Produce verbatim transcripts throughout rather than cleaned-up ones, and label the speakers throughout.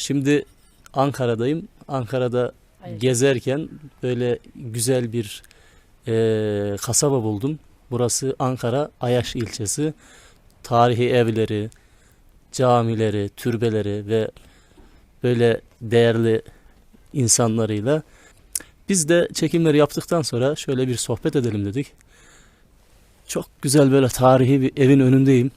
Speaker 1: Şimdi Ankara'dayım. Ankara'da
Speaker 2: Hayır.
Speaker 1: gezerken böyle güzel bir e, kasaba buldum. Burası Ankara Ayaş ilçesi. Tarihi evleri, camileri, türbeleri ve böyle değerli insanlarıyla. Biz de çekimleri yaptıktan sonra şöyle bir sohbet edelim dedik. Çok güzel böyle tarihi bir evin önündeyim.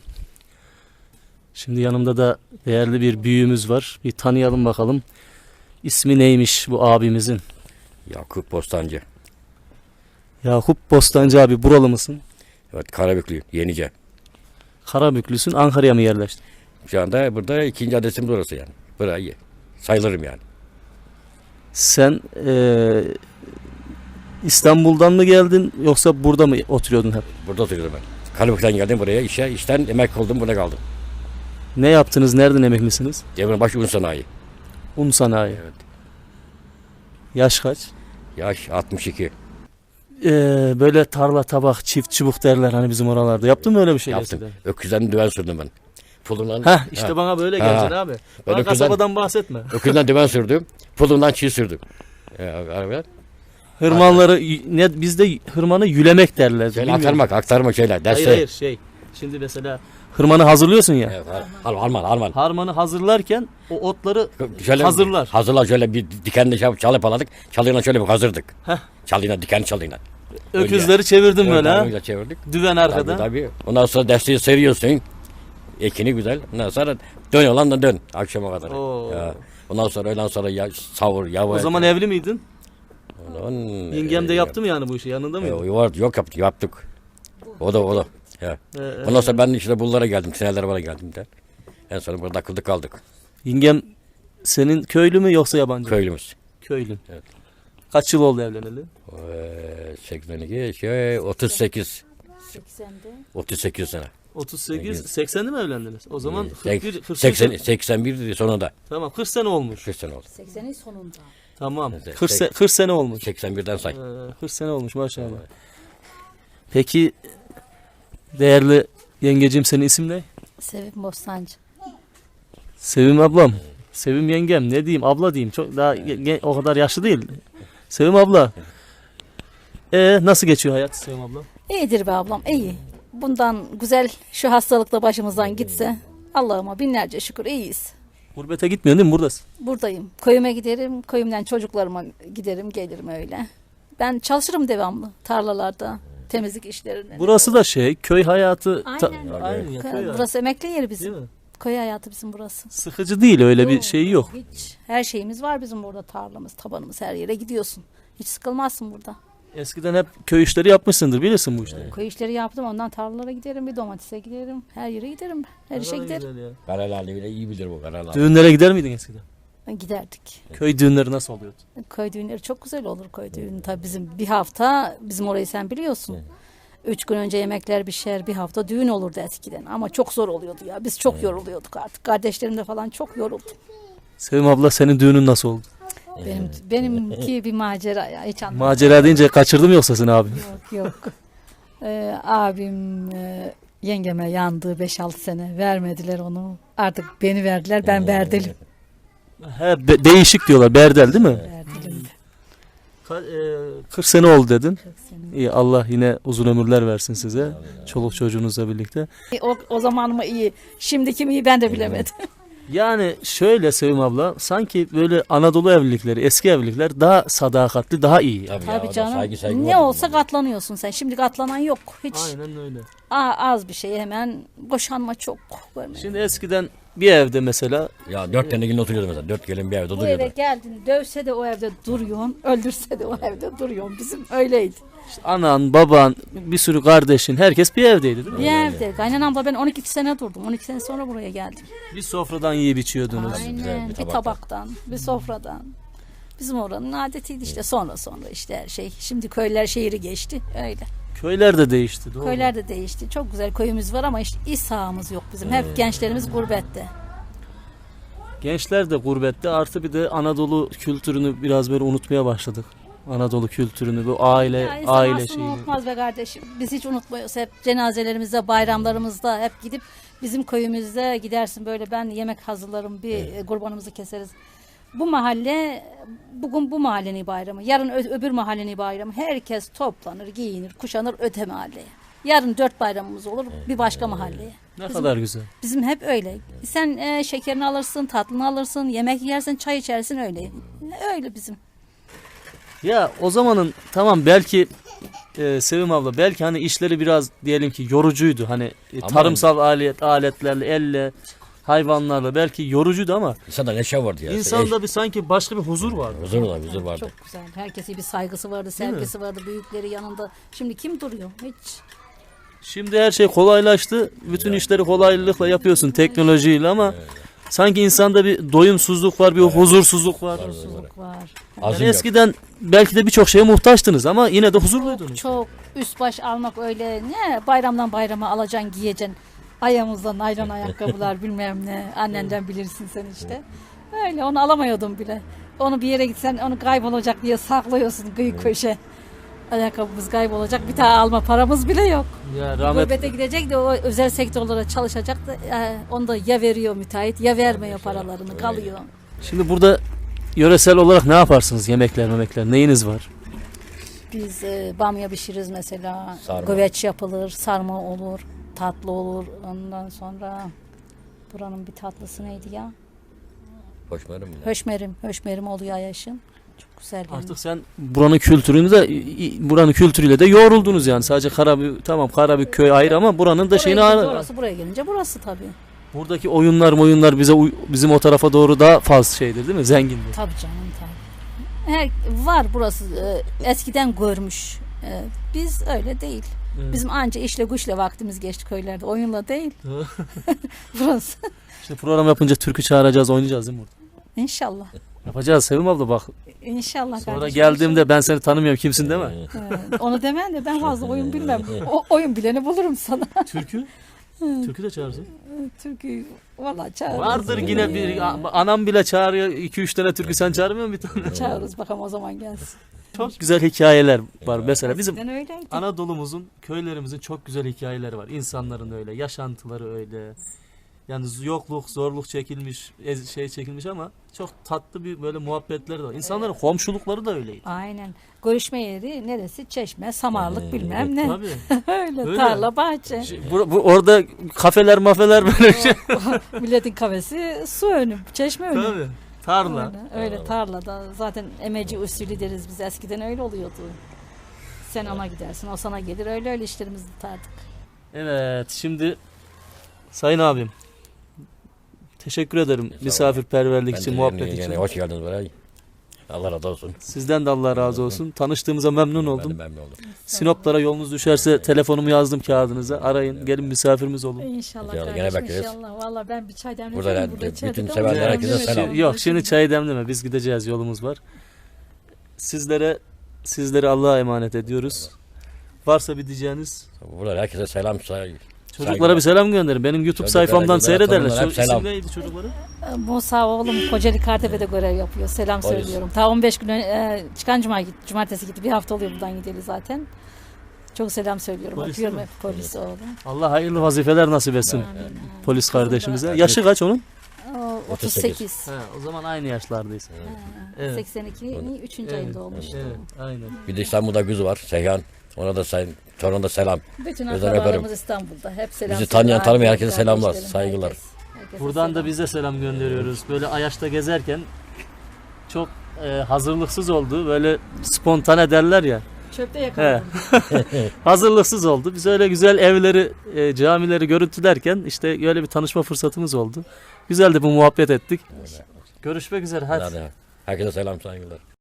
Speaker 1: Şimdi yanımda da değerli bir büyüğümüz var. Bir tanıyalım bakalım. İsmi neymiş bu abimizin?
Speaker 3: Yakup Bostancı.
Speaker 1: Yakup Bostancı abi, buralı mısın?
Speaker 3: Evet, Karabüklü, Yenice.
Speaker 1: Karabüklüsün, Ankara'ya mı yerleştin?
Speaker 3: Şu anda burada ikinci adresimiz orası yani. Burayı sayılırım yani.
Speaker 1: Sen eee, İstanbul'dan mı geldin yoksa burada mı oturuyordun hep?
Speaker 3: Burada oturuyorum ben. Karabük'ten geldim buraya işe. İşten emekli oldum, burada kaldım.
Speaker 1: Ne yaptınız? Nereden emeklisiniz?
Speaker 3: Demirbaş Un Sanayi.
Speaker 1: Un sanayi.
Speaker 3: Evet.
Speaker 1: Yaş kaç?
Speaker 3: Yaş altmış iki.
Speaker 1: Eee, böyle tarla, tabak, çift çubuk derler hani bizim oralarda. Yaptın mı öyle bir şey?
Speaker 3: Yaptım.
Speaker 1: eskiden?
Speaker 3: Öküzden düven sürdüm ben. Pulundan,
Speaker 1: Heh, işte
Speaker 3: Ha.
Speaker 1: bana böyle
Speaker 3: Ha.
Speaker 1: geleceksin abi. Bana
Speaker 3: öküzden-
Speaker 1: kasabadan bahsetme.
Speaker 3: öküzden düven sürdüm. Pulundan çiğ sürdüm. Ee, arabaya.
Speaker 1: Hırmanları ne bizde hırmanı yülemek derler.
Speaker 3: Şeyle
Speaker 1: Bilmiyorum.
Speaker 3: aktarmak, aktarmak şeyler. Derse.
Speaker 1: Hayır hayır şey. Şimdi mesela hırmanı hazırlıyorsun ya.
Speaker 3: Evet, Al- Alman, Alman.
Speaker 1: Harmanı hazırlarken o otları
Speaker 3: Şöyle,
Speaker 1: hazırlar.
Speaker 3: Hazırlar şöyle bir dikenle çalıp çalıp aladık. Çalıyla şöyle bir hazırdık.
Speaker 1: Heh.
Speaker 3: Çalıyla, diken çalıyla.
Speaker 1: Öküzleri çevirdim böyle ha.
Speaker 3: Öyle çevirdik.
Speaker 1: Düven arkada.
Speaker 3: Tabii, tabii. Ondan sonra desteği seriyorsun. Ekini güzel. Ondan sonra dön olan da dön akşama kadar.
Speaker 1: Oo.
Speaker 3: Ya. Ondan sonra öğlen sonra ya, savur, yavaş.
Speaker 1: O zaman evli miydin?
Speaker 3: Ondan,
Speaker 1: Yengem de
Speaker 3: e,
Speaker 1: yaptı mı yani bu işi? Yanında mıydı?
Speaker 3: E, var, yok yaptık, yaptık. O da o da. Ya.
Speaker 1: Ee,
Speaker 3: Ondan sonra ben işte bunlara geldim. Seneler bana geldim de. En son burada akıldık kaldık.
Speaker 1: Yengem senin köylü mü yoksa yabancı mı?
Speaker 3: Köylümüz.
Speaker 1: Köylü.
Speaker 3: Evet.
Speaker 1: Kaç yıl oldu evleneli?
Speaker 3: Ee, seksen iki, şey, otuz sekiz.
Speaker 2: seksende.
Speaker 3: otuz sekiz sene.
Speaker 1: otuz sekiz,
Speaker 3: Evet.
Speaker 1: seksende mi evlendiniz? O zaman kırk
Speaker 3: Sek-
Speaker 1: bir, kırk
Speaker 3: seksen,
Speaker 1: sene-
Speaker 3: seksen bir sonunda.
Speaker 1: Tamam, kırk sene olmuş.
Speaker 3: kırk sene oldu.
Speaker 2: seksenin sonunda.
Speaker 1: Tamam.
Speaker 3: Evet,
Speaker 1: kırk,
Speaker 3: sek-
Speaker 1: se- kırk sene olmuş.
Speaker 3: seksen birden say.
Speaker 1: Ee, kırk sene olmuş maşallah. Peki değerli yengecim, senin isim ne?
Speaker 2: Sevim Bostancı.
Speaker 1: Sevim ablam. Sevim yengem, ne diyeyim, abla diyeyim. Çok daha ge- ge- o kadar yaşlı değil. Sevim abla. E nasıl geçiyor hayat Sevim abla?
Speaker 2: İyidir be ablam, iyi. Bundan güzel şu hastalıkla başımızdan gitse Allah'ıma binlerce şükür iyiyiz.
Speaker 1: Gurbete gitmiyorsun değil mi? Buradasın.
Speaker 2: Buradayım. Köyüme giderim, köyümden çocuklarıma giderim, gelirim öyle. Ben çalışırım devamlı tarlalarda, temizlik işlerinde.
Speaker 1: Burası da şey, köy hayatı. ta-
Speaker 2: Aynen.
Speaker 1: Aynen ya, köy hayatı.
Speaker 2: Burası emekli yeri
Speaker 1: Değil
Speaker 2: bizim.
Speaker 1: mi?
Speaker 2: Köy hayatı bizim burası.
Speaker 1: Sıkıcı değil, öyle bir şey yok.
Speaker 2: Hiç. Her şeyimiz var bizim burada, tarlamız, tabanımız, her yere gidiyorsun. Hiç sıkılmazsın burada.
Speaker 1: Eskiden hep köy işleri yapmışsındır, bilirsin bu işleri.
Speaker 2: Köy işleri yaptım, ondan tarlalara giderim, bir domatese giderim, her yere giderim, her işe
Speaker 1: Ne kadar
Speaker 2: giderim.
Speaker 1: güzel ya.
Speaker 3: Karalarlı bile iyi bilir bu Karalarlı.
Speaker 1: Düğünlere gider miydin eskiden?
Speaker 2: Giderdik.
Speaker 1: Köy düğünleri nasıl oluyordu?
Speaker 2: Köy düğünleri çok güzel olur, köy düğünü. Tabii bizim bir hafta, bizim orayı sen biliyorsun. Üç gün önce yemekler pişer, bir hafta düğün olurdu eskiden. Ama çok zor oluyordu ya, biz çok yoruluyorduk artık. Kardeşlerim de falan çok yoruldu.
Speaker 1: Sevim abla, senin düğünün nasıl oldu?
Speaker 2: Benim benimki bir macera ya, hiç anlamadım.
Speaker 1: Macera deyince kaçırdı mı yoksa seni abi?
Speaker 2: Yok yok. Ee, abim e, yengeme yandı beş altı sene. Vermediler onu. Artık beni verdiler. Ben berdelim.
Speaker 1: He, be- değişik diyorlar, berdel değil mi?
Speaker 2: Berdelim.
Speaker 1: kırk sene oldu dedin.
Speaker 2: Çok senin.
Speaker 1: İyi, Allah yine uzun ömürler versin size. Çoluk çocuğunuzla birlikte.
Speaker 2: O, o zaman mı iyi? Şimdiki mi iyi ben de bilemedim.
Speaker 1: Yani şöyle Sevim abla, sanki böyle Anadolu evlilikleri, eski evlilikler daha sadakatli, daha iyi.
Speaker 3: Tabii, ya,
Speaker 2: Tabii
Speaker 3: o da
Speaker 2: canım.
Speaker 3: saygı, saygı
Speaker 2: Ne
Speaker 3: var
Speaker 2: olsa
Speaker 3: bunun.
Speaker 2: katlanıyorsun sen. Şimdi katlanan yok. Hiç.
Speaker 1: Aynen öyle.
Speaker 2: Aa, az bir şey hemen boşanma çok. Görmedim.
Speaker 1: Şimdi eskiden bir evde mesela
Speaker 3: Ya dört tane gelin oturuyordu mesela. Dört gelin bir evde
Speaker 2: Bu eve
Speaker 3: oturuyordu.
Speaker 2: geldin, dövse de o evde duruyorsun, öldürse de o evde duruyorsun. Bizim öyleydi.
Speaker 1: işte anan, baban, bir sürü kardeşin, herkes bir evdeydi değil mi?
Speaker 2: Bir evde. Kaynanamla ben on iki sene durdum. on iki sene sonra buraya geldim.
Speaker 1: Bir sofradan yiyip içiyordunuz.
Speaker 2: Aynen.
Speaker 3: bir
Speaker 2: Bir
Speaker 3: tabaktan.
Speaker 2: tabaktan, bir sofradan. Bizim oranın adetiydi işte. Sonra sonra işte her şey. Şimdi köyler şehri geçti. Öyle.
Speaker 1: Köyler de değişti. Doğru.
Speaker 2: Köyler de değişti. Çok güzel köyümüz var ama işte iş sahamız yok bizim. Hep gençlerimiz gurbette.
Speaker 1: Gençler de gurbette, artı bir de Anadolu kültürünü biraz böyle unutmaya başladık. Anadolu kültürünü, bu aile
Speaker 2: Ya insan
Speaker 1: aile
Speaker 2: aslında
Speaker 1: şeyini.
Speaker 2: unutmaz be kardeşim. Biz hiç unutmuyoruz. Hep cenazelerimizde, bayramlarımızda hep gidip Bizim köyümüzde gidersin böyle ben yemek hazırlarım bir
Speaker 3: Evet.
Speaker 2: kurbanımızı keseriz. Bu mahalle bugün bu mahallenin bayramı. Yarın ö- öbür mahallenin bayramı. Herkes toplanır, giyinir, kuşanır öte mahalleye. Yarın dört bayramımız olur bir başka mahalleye.
Speaker 1: Ne
Speaker 2: Bizim-
Speaker 1: kadar güzel.
Speaker 2: Bizim hep öyle. Sen e, şekerini alırsın, tatlını alırsın, yemek yersin, çay içersin öyle. Öyle bizim.
Speaker 1: Ya o zamanın tamam belki e, Sevim abla belki hani işleri biraz diyelim ki yorucuydu. Hani e,
Speaker 3: Ama-
Speaker 1: tarımsal alet aletlerle elle hayvanlarla belki yorucuydu ama
Speaker 3: İnsanda neşe vardı ya.
Speaker 1: insanda bir sanki başka bir huzur vardı.
Speaker 3: Huzur var, huzur vardı.
Speaker 2: Çok güzel. Herkese bir saygısı vardı, sevgisi vardı, büyükleri yanında. Şimdi kim duruyor? Hiç.
Speaker 1: Şimdi her şey kolaylaştı. Bütün işleri kolaylıkla yapıyorsun teknolojiyle ama sanki insanda bir doyumsuzluk var, bir huzursuzluk var.
Speaker 2: Huzursuzluk var.
Speaker 1: Yani
Speaker 3: Azim yok.
Speaker 1: eskiden belki de birçok şeye muhtaçtınız ama yine de huzurluydunuz.
Speaker 2: Çok üst baş almak öyle ne bayramdan bayrama alacaksın giyeceksin. Ayağımızda naylon ayakkabılar bilmem ne. Annenden bilirsin sen işte. Öyle onu alamıyordum bile. Onu bir yere gitsen onu kaybolacak diye saklıyorsun kıyı köşe. Ayakkabımız kaybolacak bir tane alma paramız bile yok.
Speaker 1: Ya rahmet
Speaker 2: Gurbete gidecek de o özel sektörlere çalışacak da e, onu da ya veriyor müteahhit ya vermiyor paralarını kalıyor.
Speaker 1: Şimdi burada yöresel olarak ne yaparsınız? Yemekler, memekler neyiniz var?
Speaker 2: Biz e, bamya pişiririz mesela.
Speaker 3: Sarma.
Speaker 2: Güveç yapılır, sarma olur, tatlı olur. Ondan sonra buranın bir tatlısı neydi ya?
Speaker 3: Hoşmerim mi?
Speaker 2: Höşmerim, höşmerim oluyor Ayaş'ın. Çok güzel yani.
Speaker 1: Artık sen buranın kültürünü de buranın kültürüyle de yoğruldunuz yani. Sadece Karabük tamam Karabük köy ayrı ama buranın da
Speaker 2: Buraya
Speaker 1: şeyini
Speaker 2: gelince
Speaker 1: ara-
Speaker 2: orası, buraya gelince burası tabii.
Speaker 1: buradaki oyunlar, oyunlar bize uy- bizim o tarafa doğru daha fazla şeydir değil mi? Zengindir.
Speaker 2: Tabii canım tabii. Her, var burası e, eskiden görmüş. E, biz öyle değil.
Speaker 1: Evet.
Speaker 2: Bizim anca işle güçle vaktimiz geçti köylerde. Oyunla değil. Burası.
Speaker 1: İşte program yapınca türkü çağıracağız, oynayacağız değil mi burada?
Speaker 2: İnşallah.
Speaker 1: Yapacağız Sevim abla bak.
Speaker 2: İnşallah
Speaker 1: Sonra
Speaker 2: kardeşim.
Speaker 1: geldiğimde ben seni tanımıyorum kimsin değil mi?
Speaker 2: Evet, onu demen de ben fazla oyun bilmem. O oyun bileni bulurum sana.
Speaker 1: Türkü? Türkü de çağırsın.
Speaker 2: Türkü valla çağırırız.
Speaker 1: Vardır yine bir anam bile çağırıyor iki üç tane türkü sen çağırmıyor musun bir tane?
Speaker 2: Çağırırız bakalım o zaman gelsin.
Speaker 1: Çok güzel hikayeler var mesela bizim
Speaker 2: Eskiden öyleydi.
Speaker 1: Anadolu'muzun, köylerimizin çok güzel hikayeleri var. İnsanların öyle, yaşantıları öyle. Yani yokluk, zorluk çekilmiş, ez- şey çekilmiş ama çok tatlı bir böyle muhabbetleri de var. İnsanların komşulukları da öyleydi.
Speaker 2: Aynen. Görüşme yeri neresi? Çeşme, samarlık bilmem ne.
Speaker 1: Tabii.
Speaker 2: öyle,
Speaker 1: Öyle.
Speaker 2: tarla, bahçe.
Speaker 1: Şey, bu, bu- orada kafeler, mafeler böyle şey.
Speaker 2: Milletin kafesi su önü, çeşme önü.
Speaker 1: Tabii. Tarla.
Speaker 2: Öyle, öyle tarlada. Zaten emeci usulü deriz biz. Eskiden öyle oluyordu. Sen ona gidersin, o sana gelir. Öyle öyle işlerimizi tutardık.
Speaker 1: Evet, şimdi Sayın abim teşekkür ederim
Speaker 3: olun.
Speaker 1: misafirperverlik
Speaker 3: Ben
Speaker 1: için,
Speaker 3: de
Speaker 1: muhabbet
Speaker 3: yeni-
Speaker 1: için.
Speaker 3: yeni hoş geldiniz buraya. Allah razı olsun.
Speaker 1: Sizden de Allah razı olsun. Tanıştığımıza memnun
Speaker 3: Ben
Speaker 1: oldum.
Speaker 3: de memnun oldum.
Speaker 1: Sinoplara yolunuz düşerse telefonumu yazdım kağıdınıza. Arayın, gelin misafirimiz olun.
Speaker 2: İnşallah
Speaker 3: İnşallah,
Speaker 2: kardeşim,
Speaker 3: gene bekleriz.
Speaker 2: inşallah. Valla ben bir çay demledim.
Speaker 3: Burada
Speaker 2: burada
Speaker 3: da
Speaker 2: içeride
Speaker 3: bütün
Speaker 2: de
Speaker 3: sevenlere
Speaker 2: oturuyorum.
Speaker 3: herkese
Speaker 2: Değil mi?
Speaker 3: selam.
Speaker 1: Yok, şimdi çayı demleme. Biz gideceğiz, yolumuz var. Sizlere sizleri Allah'a emanet ediyoruz. Varsa bir diyeceğiniz,
Speaker 3: Burada herkese selam saygı.
Speaker 1: çocuklara bir selam gönderin. Benim YouTube
Speaker 3: Çocuklara,
Speaker 1: sayfamdan
Speaker 3: kızlara,
Speaker 1: seyrederler.
Speaker 3: torunlara hep
Speaker 1: Ço-
Speaker 3: selam.
Speaker 1: İsim neydi çocukların?
Speaker 2: Musa oğlum Kocaeli Kartepe'de görev yapıyor. Selam
Speaker 3: Polis.
Speaker 2: söylüyorum. Ta on beş gün ön- e, çıkan cuma gitti, cumartesi gitti. Bir hafta oluyor buradan gideli zaten. Çok selam söylüyorum.
Speaker 1: Polis
Speaker 2: Öpüyorum
Speaker 1: değil
Speaker 2: hep polis oğlum.
Speaker 1: Allah hayırlı vazifeler nasip etsin
Speaker 2: Amin.
Speaker 1: polis kardeşimize. Yaşı kaç onun?
Speaker 2: O, otuz sekiz.
Speaker 1: He, o zaman aynı yaşlardayız. Evet.
Speaker 2: seksen ikinin üçüncü ayında olmuştu.
Speaker 1: Evet, aynen.
Speaker 3: Bir de İstanbul'da kız var Seyhan. Ona da sayın, toruna da selam.
Speaker 2: Bütün
Speaker 3: Özel
Speaker 2: akrabalarımız
Speaker 3: öperim.
Speaker 2: İstanbul'da. Hep selam
Speaker 3: Bizi tanıyan,
Speaker 2: söylüyor.
Speaker 3: tanımayan herkese selamlar,
Speaker 2: Kardeşlerim,
Speaker 3: saygılar.
Speaker 2: herkes- herkese
Speaker 1: Buradan
Speaker 2: selam.
Speaker 1: da biz de selam gönderiyoruz. Böyle Ayaş'ta gezerken çok e, hazırlıksız oldu. Böyle spontane derler ya.
Speaker 2: Çöpte yakaladım.
Speaker 1: Hazırlıksız oldu. Biz öyle güzel evleri, e, camileri görüntülerken işte öyle bir tanışma fırsatımız oldu. Güzel de bu muhabbet ettik. Görüşmek üzere. Hadi.
Speaker 3: Hadi. Herkese selam saygılar.